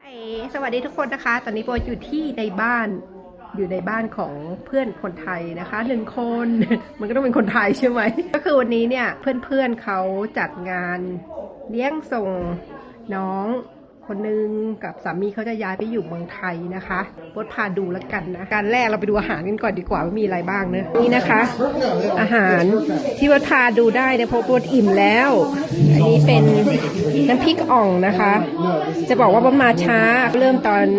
สวัสดีทุกคนนะคะตอนนี้โบอยู่ที่ในบ้านของเพื่อนคนไทยนะคะ1 คน มันก็ต้องเป็นคนไทยใช่ไหมก็คือวันนี้เนี่ยเพื่อนเขาจัดงานเลี้ยงส่งน้องคนนึงกับสามีเขาจะย้ายไปอยู่เมืองไทยนะคะโบพาดูแล้วกันนะการแรกเราไปดูอาหารกันก่อนดีกว่าว่ามีอะไรบ้างเนะนี่นะคะอาหารที่โบพาดูได้เนี่ยเพราะโบอิ่มแล้วอันนี้เป็นน้ำพริกอ่องนะคะจะบอกว่าโบมาช้าเริ่มตอน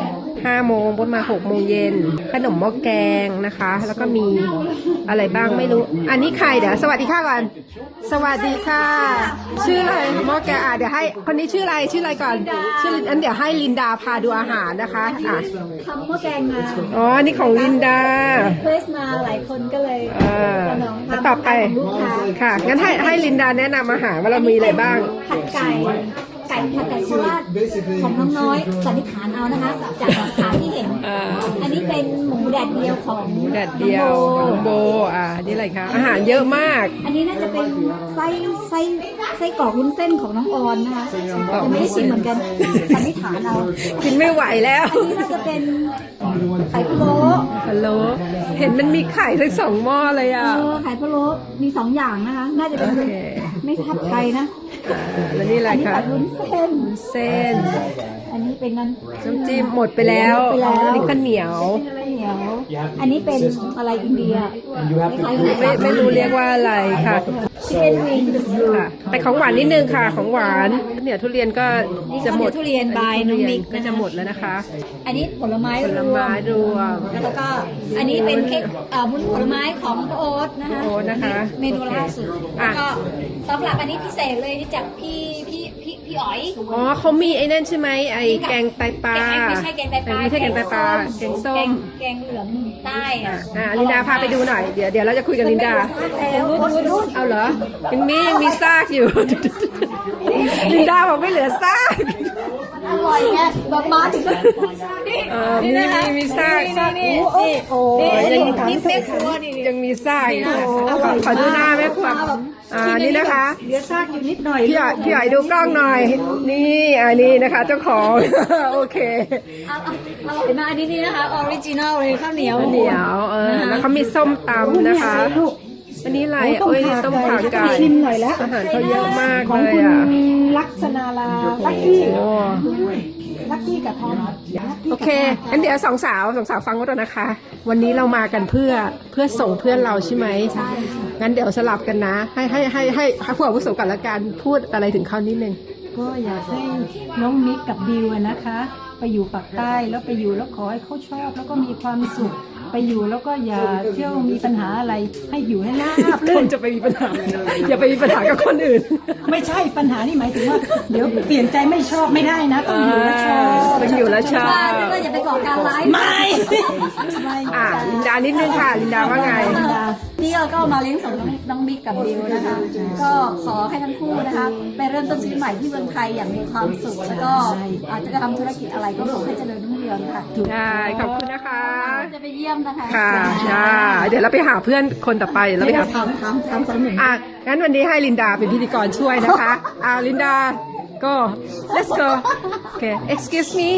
5 โมงบนมา6 โมงเย็นขนมหม้อแกงนะคะแล้วก็มีอะไรบ้างไม่รู้อันนี้ใครเดี๋ยวสวัสดีค่ะก่อนสวัสดีค่ะชื่ออะไรหม้อแกงเดี๋ยวให้คนนี้ชื่ออะไรก่อนชื่ออันเดี๋ยวให้ลินดาพาดูอาหารนะคะทำหม้อแกงมาอ๋อนี่ของลินดาเพรสมาหลายคนก็เลยสนองความต่อไปลูกค้าค่ะงั้นให้ลินดาแนะนำอาหารว่าเรามีอะไรบ้างผัดไก่ผัดไก่โคราชของน้องน้อยสันนิษฐานเอานะคะจากหลักฐานที่เห็นอันนี้เป็นหมูแดดเดียวของแดดเดียวโบนี่อะไรคะอาหารเยอะมากอันนี้น่าจะเป็นไส้กรอกวุ้นเส้นของน้องออนนะคะยังไม่ได้ชิมเหมือนกันสันนิษฐานเอากินไม่ไหวแล้วอันนี้น่าจะเป็นไข่พะโล้เห็นมันมีไข่ทั้ง2 หม้อเลยอ่ะไข่พะโล้มี2 อย่างนะคะน่าจะเป็นไม่ทับไข่นะแล้วนี่อะไรคะวุ้นเส้นอันนี้เป็นน้ำจิ้มหมดไปแล้วอันนี้ข้าวเหนียวอันนี้เป็นอะไรอินเดียไม่รู้เรียกว่าอะไรค่ะชิคเก้นวิงค่ะไปของหวานนิดนึงค่ะของหวานเนี่ยทุเรียนก็จะหมดทุเรียนบายน้องมิกก็จะหมดแล้วนะคะอันนี้ผลไม้รวมแล้วก็อันนี้เป็นเค้กผลไม้ของโอ๊ตนะคะเมนูล่าสุดแล้วก็สำหรับอันนี้พิเศษเลยจากพี่อ๋อยอ๋อเขามีไอ้นั่นใช่ไหมไอ้แกงไตปลาไม่ใช่แกงไตปลาแกงส้มแกงเหลืองใต้ลินดาพาไปดูหน่อยเดี๋ยวเราจะคุยกับลินดาเอาเหรอยังมีซากอยู่ลินดาบอกไม่เหลือซากอร่อยไงแบบมาถึงมีซากโอ้นี่แม่ครัวนี่ยังมีซากขอดูหน้าแม่ครัวนี่นะคะเหลือซากอยู่นิดหน่อยพี่ใหญ่ดูกล้องหน่อยนี่อันนี้นะคะเจ้าของโอเคอร่อยมากอันนี้นะคะออริจินอลเลยข้าวเหนียวแล้วเขามีส้มตำนะคะอันนี้อะไรต้มขาไก่ชิมหน่อยแล้วอาหารเขาเยอะมากเลยลักษณาลาลักกี้กับทอมโอเคอันเดี๋ยวสองสาวฟังก็ต้องนะคะวันนี้เรามากันเพื่อส่งเพื่อนเราใช่ไหมใช่งั้นเดี๋ยวสลับกันนะให้ผู้อาวุโสกันละกันพูดอะไรถึงเขานิดนึงก็อยากให้น้องมิกกับบิวนะคะไปอยู่ปากใต้แล้วไปอยู่แล้วขอให้เขาชอบแล้วก็มีความสุขไปอยู่แล้วก็อย่าเที่ยวมีปัญหาอะไรให้อยู่ให้ราบรื่นจะไปมีปัญหาอย่าไปมีปัญหากับคนอื่นไม่ใช่ปัญหานี่หมายถึงว่าเดี๋ยวเปลี่ยนใจไม่ชอบไม่ได้นะต้องอยู่แล้วชอบต้องอยู่แล้วชอบก็อย่าไปก่อการร้ายไม่ลินดานิดนึงค่ะลินดาว่าไงนี่เราก็มาเลี้ยงส่งน้องบิ๊กกับบิวนะคะก็ขอให้ทั้งคู่นะคะไปเริ่มต้นชีวิตใหม่ที่เมืองไทยอย่างมีความสุขแล้วก็อาจจะทำธุรกิจอะไรก็ขอให้เจริญรุ่งเรืองค่ะได้ขอบคุณนะคะจะไปเยี่ยมนะคะค่ะเดี๋ยวเราไปหาเพื่อนคนต่อไปเราไปหาทำสำเร็จงั้นวันนี้ให้ลินดาเป็นพิธีกรช่วยนะคะลินดาก็ let's go okay excuse me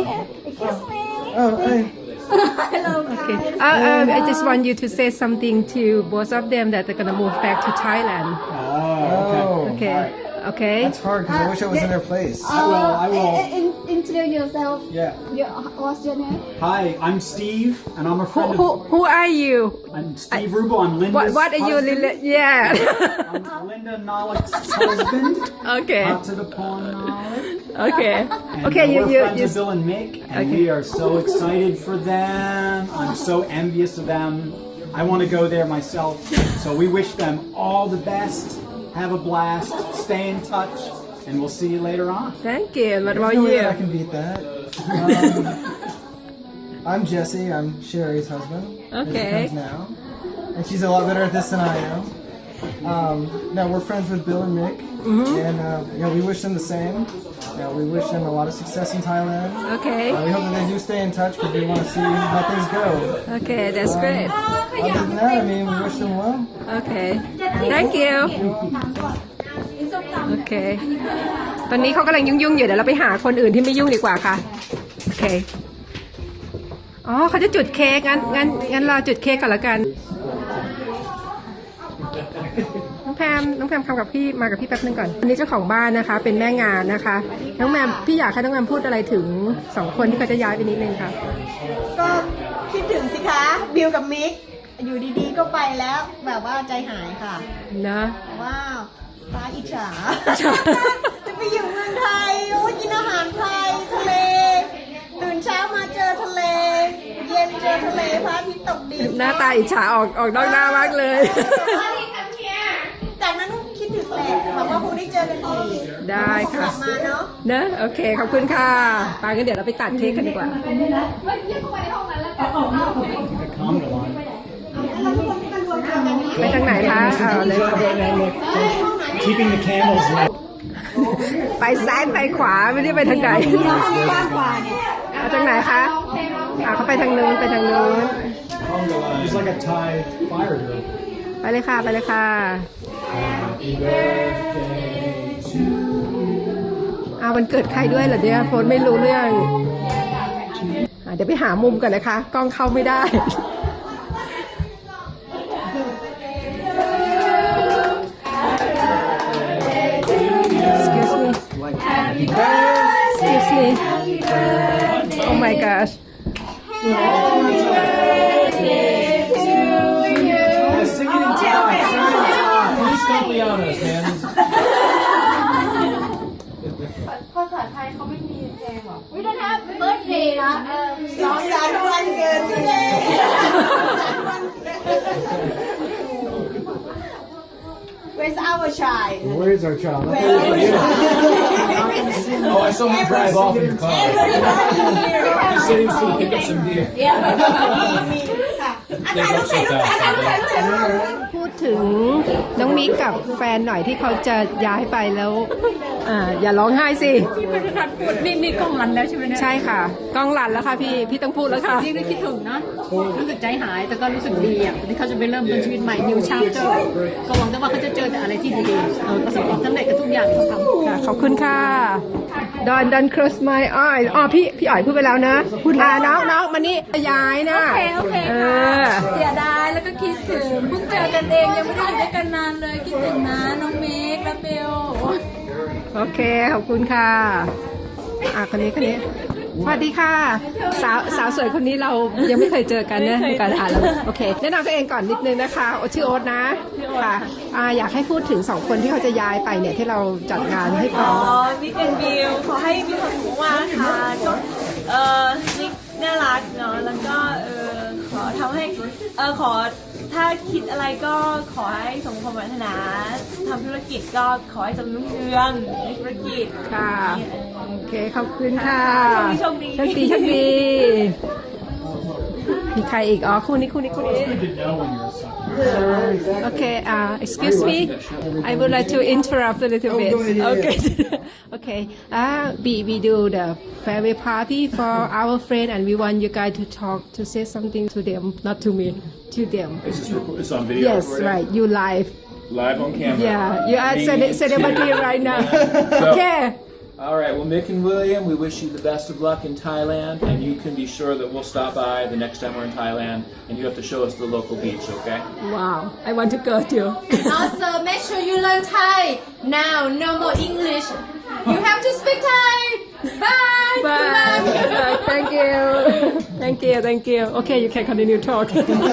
Hello. Okay. I just want you to say something to both of them that they're gonna move back to Thailand. Okay. That's hard because I wish I was in their place. I will. Introduce yourself. Yeah. What's your name? Hi, I'm Steve, and I'm a friend Who are you? I'm Steve Rubo. I'm Linda's What are you, Yeah. I'm Linda Nollick's husband. Okay. Out to the pond, Nollick. Okay. And Okay. We're friends with Bill and Mick, and we are so excited for them. I'm so envious of them. I want to go there myself. So we wish them all the best. Have a blast. Stay in touch, and we'll see you later on. Thank you. What about no way you? I can beat that. I'm Jesse. I'm Sherry's husband. Okay. Now, and she's a lot better at this than I am. Now we're friends with Bill and Mick, and we wish them the same. We wish them a lot of success in Thailand. Okay. We hope that they do stay in touch because we want to see how things go. Okay, that's great. Other than that, I mean, we wish them well. Okay. Thank you. Okay. ตอนนี้เขากำลังยุ่งๆอยู่เดี๋ยวเราไปหาคนอื่นที่ไม่ยุ่งดีกว่าค่ะโอเคอ๋อเขาจะจุดเค้กงั้นเราจุดเค้กก่อนละกันน้องแพมคำกับพี่มากับพี่แป๊บนึงก่อนอันนี้เจ้าของบ้านนะคะเป็นแม่งานนะคะน้องแมมพี่อยากให้น้องแมมพูดอะไรถึง2คนที่เขาจะย้ายไปนิดนึงค่ะก็คิดถึงสิคะบิวกับมิกอยู่ดีๆก็ไปแล้วแบบว่าใจหายค่ะนะว้าวตาอิจฉา จะไปอยู่เมืองไทยโอ้ยกินอาหารไทยทะเล ตื่นเช้ามาเจอทะเล เย็นเจอทะเลพระอาทิตย์ตกดินหน้าตาอิจฉาออกนอกหน้ามากเลยจากนั้นคิดถึงแหละแบบว่าคงได้เจอกันอีกได้ค่ะกลับมาเนาะนะโอเคขอบคุณค่ะไปงั้นเดี๋ยวเราไปตัดเค้กกันดีกว่า ไปทางไหนคะเอาเลย Keeping the candles lit. ไปซ้ายไปขวาไม่ได้ไปทางไหนกว้างกว่าเนี่ยเอาทางไหนคะเขาไปทางนู้นไปทางนู้น It's like a Thai fire drill. ไปเลยค่ะไปเลยค่ะวันเกิดใครด้วยเหรอเนี่ยโฟนไม่รู้เรื่องเดี๋ยวไปหามุมก่อนนะคะกล้องเข้าไม่ได้ Excuse me. Excuse me. Oh my gosh. Sing it in Thai. Please don't be honest, man. สองสามวันเกิดที่เลย Where's our child? Where's our child? Oh, I saw him drive off in your car. He said he was going to pick up some deer. ถ่ายรูปถ่ายรูปถ่ายรูปถ่ายรูปถ่ายรูปพูดถึงน้องมิกกับแฟนหน่อยที่เขาจะย้ายไปแล้วอย่าร้องไห้สินี่กล้องรันแล้วใช่ไหมเนี่ยใช่ค่ะกล้องรันแล้วค่ะพี่ต้องพูดแล้วค่ะยิ่งได้คิดถึงนะรู้สึกใจหายแต่ก็รู้สึกดีอ่ะที่เขาจะไปเริ่มต้นชีวิตใหม่ new chapter ก็หวังแต่ว่าเขาจะเจอแต่อะไรที่ดีๆประสบความสำเร็จกับทุกอย่างที่เขาทำค่ะขอบคุณค่ะ Don't close my eyes พี่อ๋อยพูดไปแล้วนะน้องมานี่ย้ายนะโอเคเสียดายแล้วก็คิดถึงเพิ่งเจอกันเองยังไม่ได้อยู่ด้วยกันนานเลยคิดถึงนะน้องเมกและเบลโอเคขอบคุณค่ะคนนี้สวัสดีค่ะสาวสวยคนนี้เรายังไม่เคยเจอกันนะการแล้วโอเคแนะนำตัวเองก่อนนิดนึงนะคะชื่อโอ๊ตนะค่ะอยากให้พูดถึง2คนที่เขาจะย้ายไปเนี่ยที่เราจัดงานให้เขามิกแอนบิลขอให้มีความสุขมากๆค่ะก็มิกน่ารักเนาะแล้วก็ขอทำให้ขอถ้าคิดอะไรก็ขอให้สมความปรารถนาทำธุรกิจก็ขอให้จำรุ่งเรืองในธุรกิจค่ะโอเคขอบคุณค่ะโชคดีโชคดีมีใครอีกคู่นี้ You know when you're a sucker. Okay, excuse me. I would like to interrupt a little bit. Okay. Okay. We do the farewell party for our friend, and we want you guys to talk, to say something to them, not to me, to them. It's on video. Yes, recording. right. You live. Live on camera. Yeah, you are celebrity right now. Okay. All right. Well, Mick and William, we wish you the best of luck in Thailand, and you can be sure that we'll stop by the next time we're in Thailand, and you have to show us the local beach, okay? Wow. I want to go too. Also make sure you learn Thai now no more English you have to speak Thai bye Bye. Thank you. Thank you. Thank you. Okay, you can continue talk.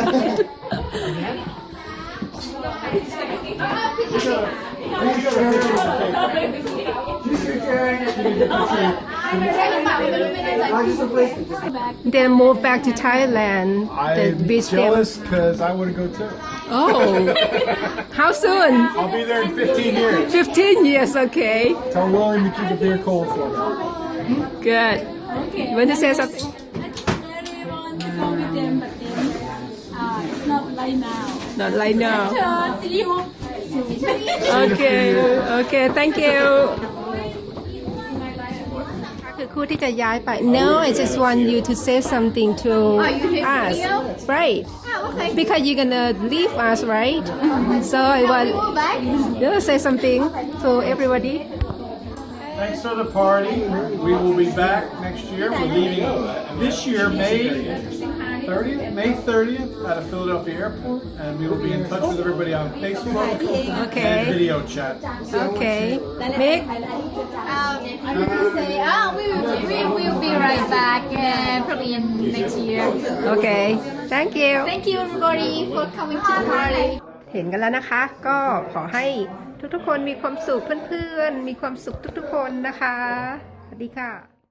Then move back to Thailand. The I'm beach there. jealous because I want to go too. Oh, how soon? I'll be there in 15 years. 15 years. Okay, Tell William to keep the beer cold for me. good. You want to say something? really want to go with them but then it's not right now Not right now. see you Okay. Okay. Thank you. คือคู่ที่จะย้ายไป No, I just want you to say something to us, right? Because you're gonna leave us, right? So I want you to say something to everybody. Thanks for the party. We will be back next year. We're leaving this year, May 30th out of Philadelphia Airport, and we will be in touch with everybody on Facebook and video chat. Okay Mick I will say, we will be right back probably in next year. Okay thank you Thank you everybody for coming to the party. เห็นกันแล้วนะคะ ก็ขอให้ทุกๆคนมีความสุขเพื่อนๆมีความสุขทุกๆคนนะคะสวัสดีค่ะ